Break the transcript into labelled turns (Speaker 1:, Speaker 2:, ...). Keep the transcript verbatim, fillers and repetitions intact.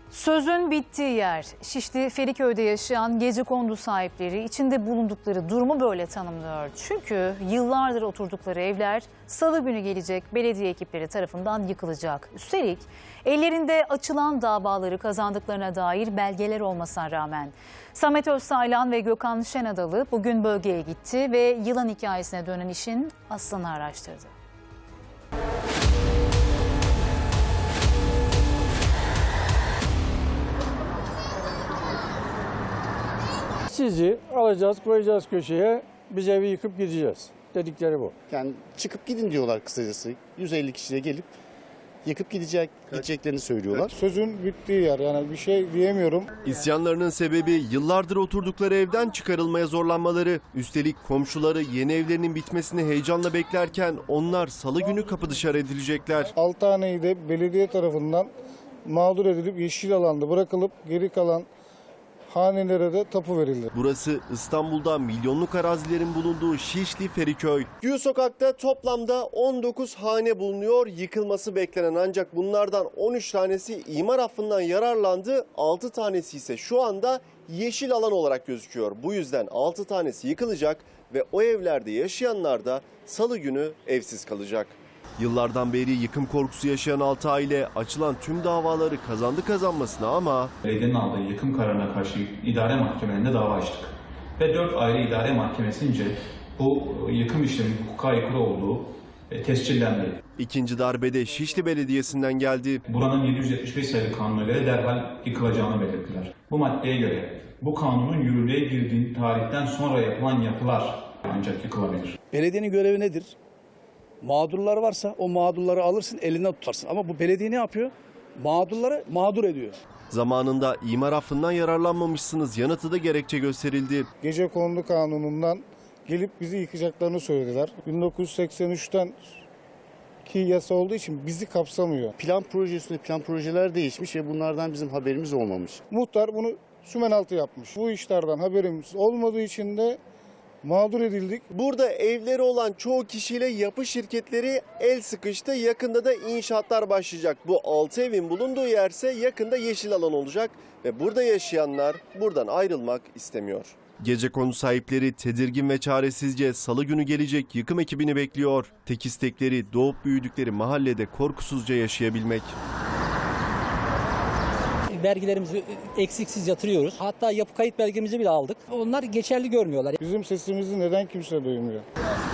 Speaker 1: Sözün bittiği yer. Şişli Feriköy'de yaşayan gecekondu sahipleri içinde bulundukları durumu böyle tanımlıyor. Çünkü yıllardır oturdukları evler salı günü gelecek belediye ekipleri tarafından yıkılacak. Üstelik ellerinde açılan davaları kazandıklarına dair belgeler olmasına rağmen. Samet Özsaylan ve Gökhan Şenadalı bugün bölgeye gitti ve yılan hikayesine dönen işin aslını araştırdı.
Speaker 2: Sizi alacağız, koyacağız köşeye, biz evi yıkıp gideceğiz. Dedikleri bu.
Speaker 3: Yani çıkıp gidin diyorlar kısacası. yüz elli kişiyle gelip yıkıp gidecek, gideceklerini söylüyorlar.
Speaker 2: Sözün bittiği yer, yani bir şey diyemiyorum.
Speaker 4: İsyanlarının sebebi yıllardır oturdukları evden çıkarılmaya zorlanmaları. Üstelik komşuları yeni evlerinin bitmesini heyecanla beklerken onlar salı günü kapı dışarı edilecekler.
Speaker 2: Altı haneyi de belediye tarafından mağdur edilip yeşil alanda bırakılıp geri kalan hanelere de tapu verildi.
Speaker 4: Burası İstanbul'da milyonluk arazilerin bulunduğu Şişli Feriköy. Gül Sokak'ta toplamda on dokuz hane bulunuyor. Yıkılması beklenen ancak bunlardan on üç tanesi imar affından yararlandı. altı tanesi ise şu anda yeşil alan olarak gözüküyor. Bu yüzden altı tanesi yıkılacak ve o evlerde yaşayanlar da salı günü evsiz kalacak. Yıllardan beri yıkım korkusu yaşayan altı aile açılan tüm davaları kazandı kazanmasına ama
Speaker 5: belediyenin aldığı yıkım kararına karşı idare mahkemelerinde dava açtık. Ve dört ayrı idare mahkemesince bu yıkım işleminin hukuka aykırı olduğu tescillendi.
Speaker 4: İkinci darbede Şişli Belediyesi'nden geldi.
Speaker 5: Buranın yedi yüz yetmiş beş sayılı kanuna göre derhal yıkılacağını belirttiler. Bu maddeye göre bu kanunun yürürlüğe girdiği tarihten sonra yapılan yapılar ancak yıkılabilir.
Speaker 6: Belediyenin görevi nedir? Mağdurlar varsa o mağdurları alırsın, elinden tutarsın. Ama bu belediye ne yapıyor? Mağdurları mağdur ediyor.
Speaker 4: Zamanında imar affından yararlanmamışsınız yanıtı da gerekçe gösterildi.
Speaker 2: Gecekondu kanunundan gelip bizi yıkacaklarını söylediler. bin dokuz yüz seksen üçten ki yasa olduğu için bizi kapsamıyor.
Speaker 3: Plan proje üstüne plan projeler değişmiş ve bunlardan bizim haberimiz olmamış.
Speaker 2: Muhtar bunu sümenaltı yapmış. Bu işlerden haberimiz olmadığı için de mağdur edildik.
Speaker 4: Burada evleri olan çoğu kişiyle yapı şirketleri el sıkıştı. Yakında da inşaatlar başlayacak. Bu altı evin bulunduğu yerse yakında yeşil alan olacak ve burada yaşayanlar buradan ayrılmak istemiyor. Gecekondu sahipleri tedirgin ve çaresizce salı günü gelecek yıkım ekibini bekliyor. Tek istekleri doğup büyüdükleri mahallede korkusuzca yaşayabilmek.
Speaker 7: Vergilerimizi eksiksiz yatırıyoruz. Hatta yapı kayıt belgemizi bile aldık. Onlar geçerli görmüyorlar.
Speaker 2: Bizim sesimizi neden kimse duymuyor?